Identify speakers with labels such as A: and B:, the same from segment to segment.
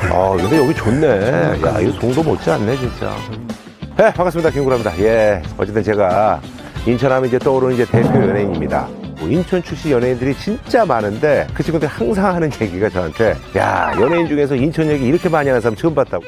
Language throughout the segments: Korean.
A: 근데 여기 좋네. 야, 이거 동도 못지 않네, 진짜. 네, 반갑습니다. 김구라입니다. 예, 어쨌든 제가 인천하면 이제 떠오르는 이제 대표 연예인입니다. 인천 출신 연예인들이 진짜 많은데 그 친구들이 항상 하는 얘기가 저한테 야, 연예인 중에서 인천 얘기 이렇게 많이 하는 사람 처음 봤다고.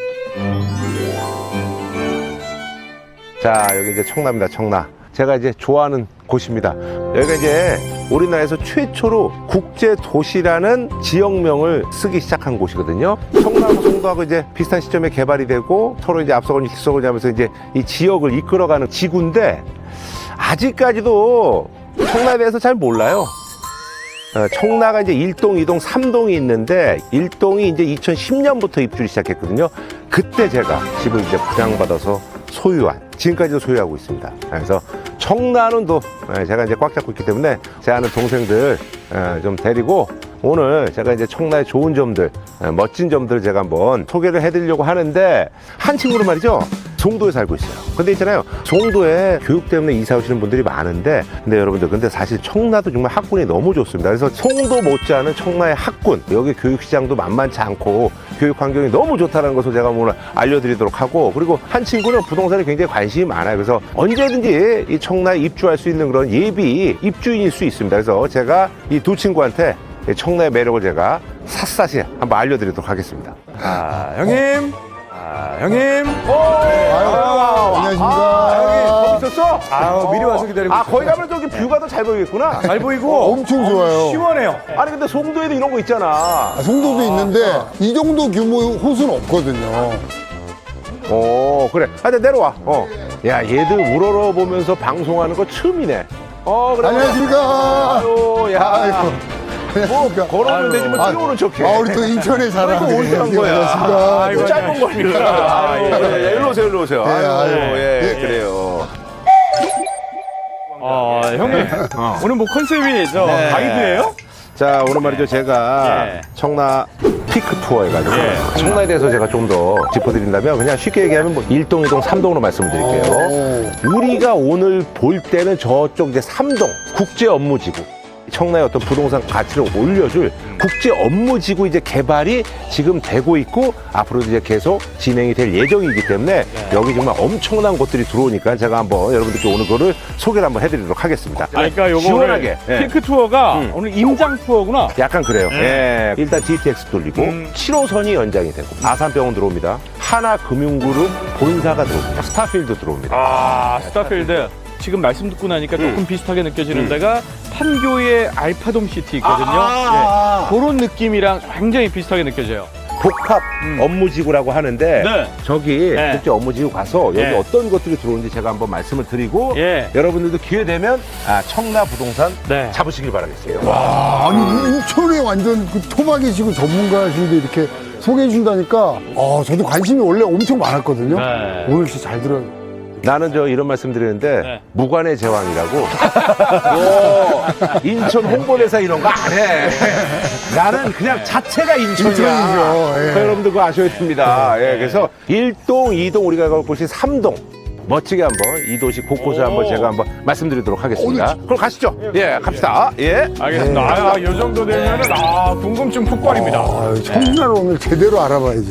A: 자, 여기 이제 청라입니다. 청라. 제가 이제 좋아하는 곳입니다. 여기가 이제 우리나라에서 최초로 국제도시라는 지역명을 쓰기 시작한 곳이거든요. 청라하고 송도하고 이제 비슷한 시점에 개발이 되고 서로 이제 앞서거니 뒤서거니 하면서 이제 이 지역을 이끌어가는 지구인데 아직까지도 청라에 대해서 잘 몰라요. 청라가 이제 1동, 2동, 3동이 있는데 1동이 이제 2010년부터 입주를 시작했거든요. 그때 제가 집을 이제 분양받아서 소유한, 지금까지도 소유하고 있습니다. 그래서 청라는 또 제가 이제 꽉 잡고 있기 때문에 제 아는 동생들 좀 데리고 오늘 제가 이제 청라의 좋은 점들, 멋진 점들을 제가 한번 소개를 해드리려고 하는데 한 친구는 말이죠. 송도에 살고 있어요. 근데 있잖아요. 송도에 교육 때문에 이사 오시는 분들이 많은데 근데 여러분들 근데 사실 청라도 정말 학군이 너무 좋습니다. 그래서 송도 못지않은 청라의 학군, 여기 교육시장도 만만치 않고 교육 환경이 너무 좋다는 것을 제가 오늘 알려드리도록 하고 그리고 한 친구는 부동산에 굉장히 관심이 많아요. 그래서 언제든지 이 청라에 입주할 수 있는 그런 예비 입주인일 수 있습니다. 그래서 제가 이 두 친구한테 청라의 매력을 제가 샅샅이 한번 알려드리도록 하겠습니다.
B: 형님. 형님.
C: 안녕하십니까.
A: 형님, 거기 있었어?
B: 미리 와서 기다리고
A: 거기 가면 저기 뷰가 더 잘 보이겠구나.
B: 잘 보이고
C: 엄청 좋아요.
B: 시원해요.
A: 아니, 근데 송도에도 이런 거 있잖아.
C: 송도도 있는데 이 정도 규모의 호수는 없거든요.
A: 그래. 근데 내려와. 야, 얘들 우러러 보면서 방송하는 거 처음이네. 그래.
C: 안녕하십니까.
A: 아유, 야.
C: 아이고. 안녕하십니까.
A: 걸어오면 되지 뭐 뛰어오는 척해.
C: 우리 또 인천에 살아.
A: 아이고, 어디 간 거야?
C: 안녕하십니까.
A: 아이고, 짧은 거니까. 일로 오세요, 일로 오세요. 아유,
C: 예.
A: 그래요.
B: 형님. 오늘 뭐 컨셉이 가이드예요?
A: 자, 오늘 말이죠. 제가 청라 피크 투어 해가지고 청라에 대해서 제가 좀 더 짚어드린다면 그냥 쉽게 얘기하면 뭐 1동, 2동, 3동으로 말씀을 드릴게요. 우리가 오늘 볼 때는 저쪽 이제 3동 국제 업무지구. 청라의 어떤 부동산 가치를 올려줄 국제 업무지구 이제 개발이 지금 되고 있고 앞으로도 이제 계속 진행이 될 예정이기 때문에 여기 정말 엄청난 곳들이 들어오니까 제가 한번 여러분들께 오늘 그거를 소개를 한번 해드리도록 하겠습니다.
B: 그러니까 요거
A: 시원하게.
B: 오늘 핑크 투어가 오늘 임장 투어구나.
A: 약간 그래요. 일단 GTX 돌리고 7호선이 연장이 되고 아산병원 들어옵니다. 하나금융그룹 본사가 들어옵니다. 스타필드 들어옵니다.
B: 스타필드. 지금 말씀 듣고 나니까 조금 비슷하게 느껴지는 데가 판교의 알파돔 시티 있거든요. 그런 느낌이랑 굉장히 비슷하게 느껴져요.
A: 복합 업무지구라고 하는데 저기
B: 네.
A: 국제 업무지구 가서 여기 어떤 것들이 들어오는지 제가 한번 말씀을 드리고 여러분들도 기회 되면 청라 부동산 잡으시길 바라겠습니다.
C: 와, 아니 인천에 완전 그 토박이시고 전문가신데 이렇게 소개해 준다니까 저도 관심이 원래 엄청 많았거든요. 오늘 진짜 잘 들어요.
A: 나는 이런 말씀 드리는데 무관의 제왕이라고 인천 홍보대사 이런 거 안 해. 나는 그냥 자체가 인천이야.
C: 인천이죠.
A: 여러분들 그거 아셔야 됩니다. 그래서 1동, 2동 우리가 갈 곳이 3동. 멋지게 한번 이 도시 곳곳에 한번 제가 한번 말씀드리도록 하겠습니다. 그럼 가시죠. 갑시다.
B: 알겠습니다. 이 정도 되면은 궁금증 폭발입니다.
C: 청라를 오늘 제대로 알아봐야죠.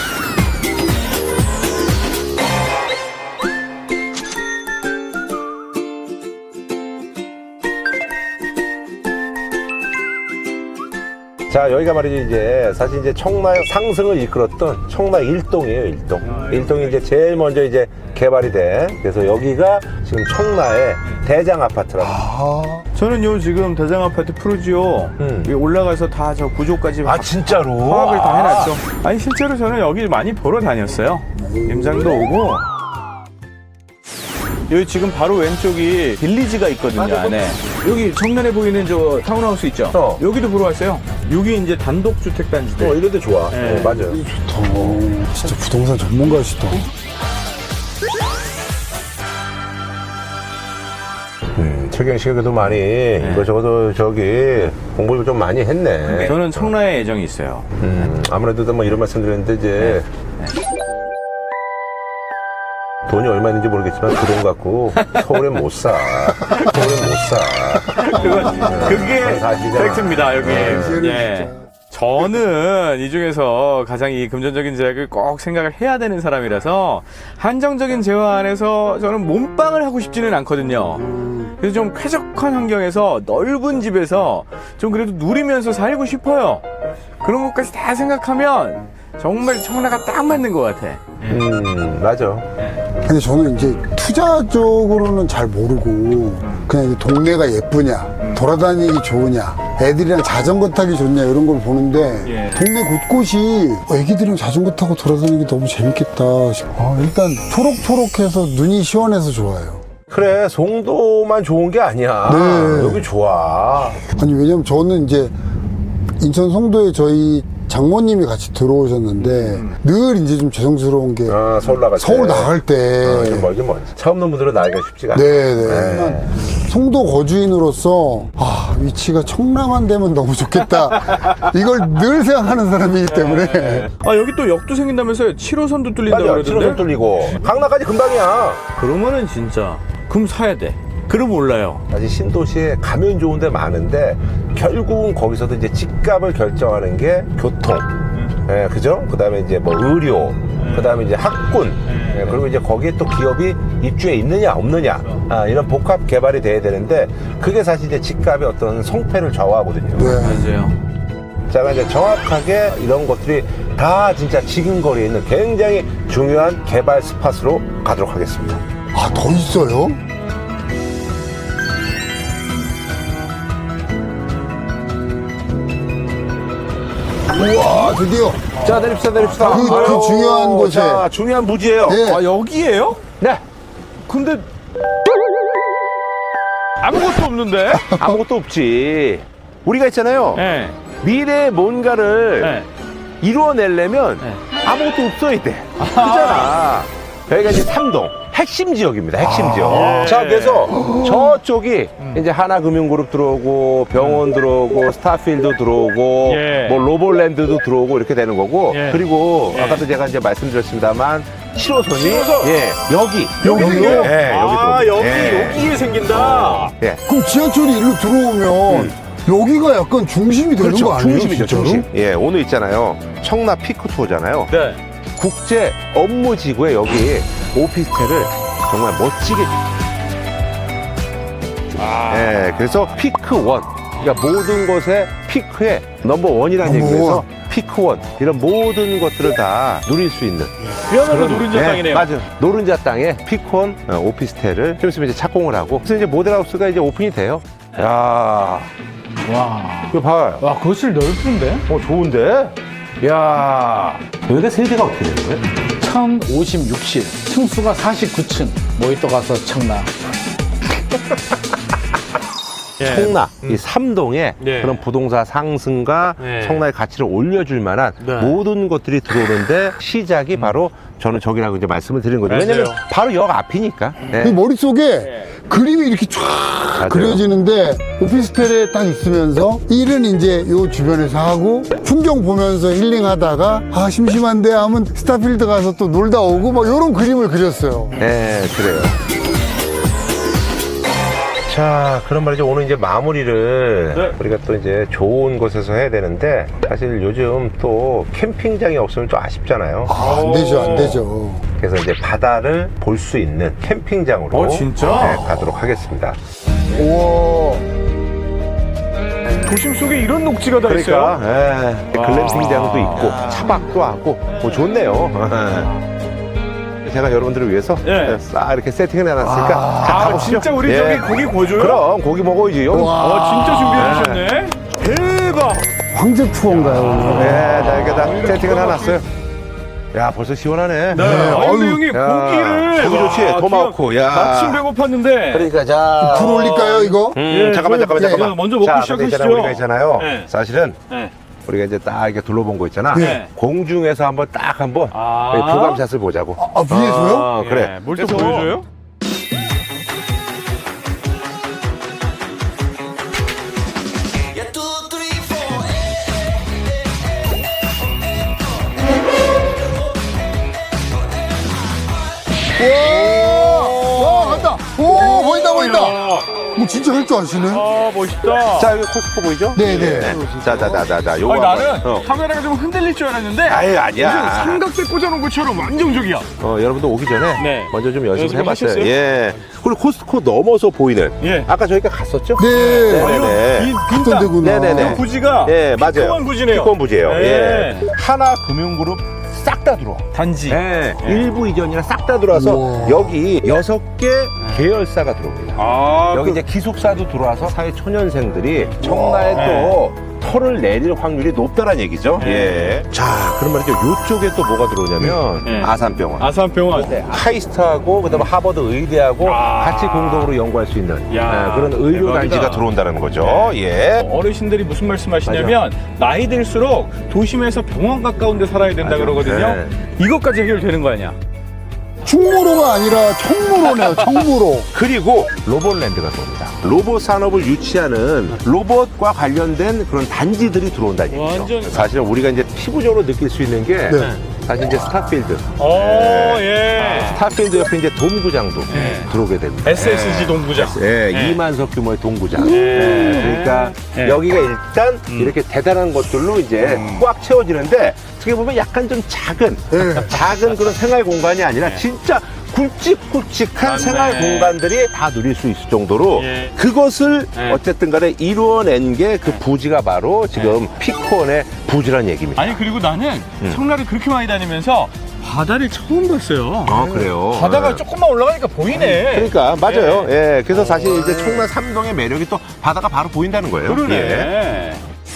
A: 자, 여기가 말이죠, 이제, 사실 이제 청라의 상승을 이끌었던 청라 1동이에요, 1동. 1동이 이제 제일 먼저 이제 개발이 돼. 그래서 여기가 지금 청라의 대장 아파트라고.
B: 저는 지금 대장 아파트 푸르지오 위에 올라가서 다 저 구조까지
A: 진짜로?
B: 파악을 다 해놨죠. 아니, 실제로 저는 여기 많이 보러 다녔어요. 임장도 오고. 여기 지금 바로 왼쪽이 빌리지가 있거든요, 안에. 여기 정면에 보이는 저 타운하우스 있죠? 여기도 보러 왔어요. 여기 이제 단독주택단지들.
A: 이런 데 좋아. 맞아요.
C: 좋다. 진짜 부동산 전문가시다.
A: 최경 씨가 그래도 많이 이거저거 저기 공부를 좀 많이 했네.
B: 저는 청라에 애정이 있어요.
A: 아무래도 뭐 이런 말씀 드렸는데 이제 돈이 얼마 있는지 모르겠지만 그 돈 갖고 서울엔 못 사. 서울엔 못 사.
B: 그게
A: 사실이잖아.
B: 팩트입니다, 여기. 저는 이 중에서 가장 이 금전적인 제약을 꼭 생각을 해야 되는 사람이라서 한정적인 재화 안에서 저는 몸빵을 하고 싶지는 않거든요. 그래서 좀 쾌적한 환경에서 넓은 집에서 좀 그래도 누리면서 살고 싶어요. 그런 것까지 다 생각하면 정말 청라가 딱 맞는 것 같아.
A: 맞아.
C: 근데 저는 이제 투자 쪽으로는 잘 모르고 그냥 이제 동네가 예쁘냐, 돌아다니기 좋으냐, 애들이랑 자전거 타기 좋냐 이런 걸 보는데
B: 예.
C: 동네 곳곳이 애기들이랑 자전거 타고 돌아다니기 너무 재밌겠다 싶어. 일단 초록초록해서 눈이 시원해서 좋아요.
A: 그래, 송도만 좋은 게 아니야.
C: 네.
A: 여기 좋아.
C: 아니 왜냐면 저는 이제 인천 송도에 저희 장모님이 같이 들어오셨는데 늘 이제 좀 죄송스러운 게
A: 서울 나갈 때.
C: 서울 나갈 때
A: 좀 멀긴 멀지. 처음 온 분들은 나기가 쉽지가 않아.
C: 네네. 송도 거주인으로서 위치가 청라만 되면 너무 좋겠다. 이걸 늘 생각하는 사람이기 때문에
B: 아, 여기 또 역도 생긴다면서요? 7호선도 뚫린다고
A: 맞아,
B: 그러던데?
A: 7호선 뚫리고. 강남까지 금방이야.
B: 그러면은 진짜 금 사야 돼. 그럼 몰라요.
A: 사실 신도시에 가면 좋은 데 많은데 결국은 거기서도 이제 집값을 결정하는 게 교통, 예, 그죠? 그 다음에 이제 뭐 의료, 그 다음에 이제 학군, 예, 그리고 이제 거기에 또 기업이 입주해 있느냐 없느냐, 이런 복합 개발이 돼야 되는데 그게 사실 이제 집값의 어떤 성패를 좌우하거든요.
C: 네.
B: 맞아요.
A: 제가 이제 정확하게 이런 것들이 다 진짜 지금 거리에 있는 굉장히 중요한 개발 스팟으로 가도록 하겠습니다.
C: 더 있어요? 우와 드디어
A: 자, 내립시다.
C: 그 중요한 곳에.
A: 자, 중요한 부지예요.
C: 예.
B: 아, 여기에요?
A: 네.
B: 근데 아무것도 없는데?
A: 아무것도 없지. 우리가 있잖아요.
B: 네.
A: 미래의 뭔가를
B: 네.
A: 이루어내려면
B: 네.
A: 아무것도 없어야 돼. 그잖아. 여기가 이제 삼동. 핵심 지역입니다. 핵심 지역.
B: 예.
A: 자, 그래서 저쪽이 이제 하나금융그룹 들어오고 병원 들어오고 스타필드 들어오고
B: 예.
A: 뭐 로볼랜드도 들어오고 이렇게 되는 거고
B: 예.
A: 그리고
B: 예.
A: 아까도 제가 이제 말씀드렸습니다만 7호선이
B: 7호선?
A: 예,
C: 여기요?
A: 예,
B: 아,
A: 여기
B: 여기,
A: 들어옵니다.
B: 여기에 생긴다.
A: 예.
C: 그럼 지하철이 일로 들어오면 여기가 약간 중심이 되는 거 아니에요?
A: 중심이죠,
C: 진짜로?
A: 중심. 예, 오늘 있잖아요. 청라 피크 투어잖아요.
B: 네.
A: 국제 업무지구에 여기 오피스텔을 정말 멋지게. 예, 그래서 피크 원. 그러니까 모든 것의 피크의 넘버 원이라는
C: 넘버
A: 얘기에서
C: 원.
A: 피크 원. 이런 모든 것들을 다 누릴 수 있는.
B: 그야말로 노른자 땅이네요.
A: 맞아요. 노른자 땅에 피크원 오피스텔을 좀 있으면 이제 착공을 하고. 그래서 이제 모델하우스가 이제 오픈이 돼요. 야,
B: 와.
A: 이거 봐요.
B: 와, 거실 넓은데?
A: 좋은데? 야, 여기가 세대가 어떻게 되는 거예요?
D: 1056실, 층수가 49층, 모히또 가서 청라.
A: 청라, 이 삼동에
B: 네.
A: 그런 부동산 상승과
B: 네.
A: 청라의 가치를 올려줄 만한
B: 네.
A: 모든 것들이 들어오는데 시작이 바로 저는 저기라고 이제 말씀을 드린 거죠.
B: 맞아요.
A: 왜냐면 바로 역 앞이니까. 네.
C: 그 머릿속에 그림이 이렇게 쫙
A: 맞아요.
C: 그려지는데 오피스텔에 딱 있으면서 일은 이제 요 주변에서 하고 풍경 보면서 힐링하다가 심심한데 하면 스타필드 가서 또 놀다 오고 막 요런 그림을 그렸어요.
A: 네, 그래요. 자, 그런 말이죠. 오늘 이제 마무리를
B: 네.
A: 우리가 또 이제 좋은 곳에서 해야 되는데 사실 요즘 또 캠핑장이 없으면 좀 아쉽잖아요.
C: 안 되죠, 안 되죠.
A: 그래서 이제 바다를 볼 수 있는 캠핑장으로
B: 진짜?
A: 네, 가도록 하겠습니다.
C: 우와.
B: 도심 속에 이런 녹지가 다
A: 그러니까
B: 있어요?
A: 예, 글램핑장도 있고 차박도 하고 뭐 좋네요. 제가 여러분들을 위해서
B: 예.
A: 싹 이렇게 세팅을 해놨으니까 자,
B: 아,
A: 가보시죠.
B: 진짜 우리
A: 예.
B: 저기 고기 구워줘요?
A: 그럼 고기 먹어야지. 여기.
B: 진짜 준비해 주셨네. 대박.
C: 황제 투어인가요, 오늘?
A: 네, 자, 이렇게 다 세팅을 해놨어요. 야, 벌써 시원하네.
B: 네. 아니, 근데 형님,
A: 야,
B: 고기를.
A: 고기 좋지?
B: 와,
A: 토마호크.
B: 제가
A: 야.
B: 마침 배고팠는데.
A: 그러니까 자.
C: 불 올릴까요, 이거?
A: 잠깐만.
B: 예, 먼저 먹고
A: 자,
B: 시작하시죠.
A: 근데 있잖아, 우리가 있잖아요.
B: 네.
A: 사실은
B: 네.
A: 우리가 이제 딱 이렇게 둘러본 거 있잖아.
B: 네.
A: 공중에서 한번 딱 한번
B: 아.
A: 부감샷을 보자고.
C: 위에서요?
A: 그래.
B: 뭘 또
A: 그래서
B: 보여줘요?
C: 와, 간다. 오, 보인다.
B: 야.
C: 뭐 진짜 할 줄 아시네.
B: 아, 멋있다.
A: 자, 여기 코스코 보이죠?
C: 네네.
A: 자, 요거
B: 아니, 나는
A: 한번,
B: 카메라가 좀 흔들릴 줄 알았는데.
A: 아유, 아니야.
B: 무슨 삼각대 꽂아놓은 것처럼 안정적이야.
A: 여러분들 오기 전에
B: 네.
A: 먼저 좀
B: 연습을
A: 연습해봤어요.
B: 하셨어요?
A: 예. 그리고 코스코 넘어서 보이는.
B: 예.
A: 아까 저희가 갔었죠?
C: 네.
A: 네네.
C: 어떤 데구나.
A: 네네네.
B: 그 부지가
A: 예, 맞아요.
B: 피크원 부지네요.
A: 피크원 부지예요.
B: 네.
A: 예. 하나 금융그룹 싹 다 들어와.
B: 단지.
A: 예. 일부 이전이랑 싹 다 들어와서
C: 우와.
A: 여기 6개 계열사가 들어옵니다.
B: 아,
A: 여기 이제 기숙사도 들어와서 사회 초년생들이 청라에 또 털을 내릴 확률이 높다는 얘기죠. 예. 자, 그럼 말이죠. 요쪽에 또 뭐가 들어오냐면
B: 네.
A: 아산병원.
B: 아산병원.
A: 네, 카이스트하고 그다음에 하버드 의대하고 같이 공동으로 연구할 수 있는
B: 야,
A: 그런 의료
B: 대박이다.
A: 단지가 들어온다는 거죠. 예.
B: 어르신들이 무슨 말씀하시냐면 나이 들수록 도심에서 병원 가까운 데 살아야 된다
A: 맞아.
B: 그러거든요.
A: 네.
B: 이것까지 해결되는 거 아니야?
C: 충무로가 아니라 청무로네요. 청무로.
A: 그리고 로봇랜드가 들어옵니다. 로봇 산업을 유치하는 로봇과 관련된 그런 단지들이 들어온다는 얘기죠.
B: 완전-
A: 사실 우리가 이제 피부적으로 느낄 수 있는 게
C: 네.
A: 사실 이제 스타필드.
B: 예.
A: 스타필드 옆에 이제 동구장도 들어오게 됩니다.
B: SSG 동부장.
A: 예,
B: 네.
A: 2만석 규모의 동구장.
B: 네.
A: 그러니까
B: 네.
A: 여기가 일단 이렇게 대단한 것들로 이제 꽉 채워지는데 어떻게 보면 약간 좀 작은 그런 생활 공간이 아니라 진짜 굵직굵직한
B: 맞네.
A: 생활 공간들이 다 누릴 수 있을 정도로
B: 예.
A: 그것을
B: 네.
A: 어쨌든 간에 이루어낸 게 그 부지가 바로 지금 피크원의 부지란 얘기입니다.
B: 아니 그리고 나는 청라를 그렇게 많이 다니면서 바다를 처음 봤어요.
A: 아, 그래요?
B: 바다가
A: 네.
B: 조금만 올라가니까 보이네.
A: 그러니까 맞아요. 예. 그래서 사실 이제 청라 삼동의 매력이 또 바다가 바로 보인다는 거예요.
B: 그러네.
A: 예.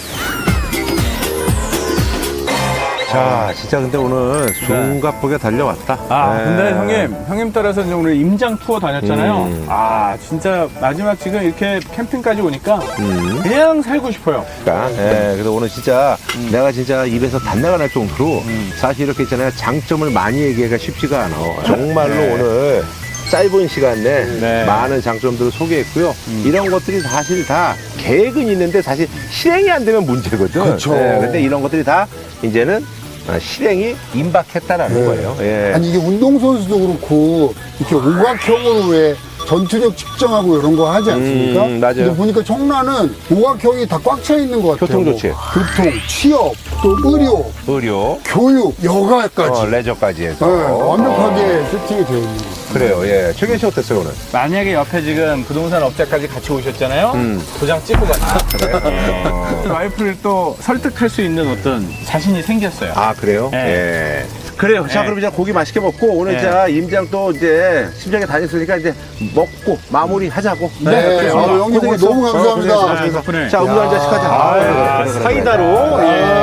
A: 자, 진짜 근데 오늘 숨가쁘게 달려왔다.
B: 아,
A: 예.
B: 근데 형님 따라서 이제 오늘 임장 투어 다녔잖아요.
A: 음.
B: 아, 진짜 마지막 지금 이렇게 캠핑까지 오니까 그냥 살고 싶어요.
A: 그러니까, 예. 그래서 오늘 진짜 내가 진짜 입에서 단내가 날 정도로 사실 이렇게 있잖아요. 장점을 많이 얘기하기가 쉽지가 않아. 정말로 오늘 짧은 시간 내에
B: 네.
A: 많은 장점들을 소개했고요. 이런 것들이 사실 다 계획은 있는데 사실 실행이 안 되면 문제거든.
C: 그쵸.
A: 근데 이런 것들이 다 이제는 실행이 임박했다라는 거예요. 예.
C: 아니 이게 운동선수도 그렇고 이렇게 오각형으로 왜 전투력 측정하고 이런 거 하지 않습니까?
A: 맞아요.
C: 근데 보니까 청라는 오각형이 다 꽉 차 있는 것 같아요.
A: 교통조치.
C: 뭐 교통, 취업, 또 의료,
A: 의료,
C: 교육, 여가까지.
A: 레저까지 해서.
C: 네, 완벽하게 세팅이 되어 있는 거.
A: 그래요. 예. 최근 씨 어땠어요, 오늘?
B: 만약에 옆에 지금 부동산 업자까지 같이 오셨잖아요. 도장 찍고 가요. 와이프를 또 설득할 수 있는 어떤 자신이 생겼어요.
A: 아, 그래요?
B: 네.
A: 예. 그래요. 자,
B: 네.
A: 그럼 이제 고기 맛있게 먹고 오늘
B: 네.
A: 자 임장 또 이제 심장에 다녔으니까 이제 먹고 마무리 하자고.
C: 네,
A: 그래요.
C: 형님 오늘
A: 고생했어.
C: 너무 감사합니다.
A: 고생했어.
B: 덕분에.
A: 자, 음료 한 잔씩 하자.
B: 아,
A: 그래, 그래, 그래.
B: 사이다로.
A: 그래.
B: 예.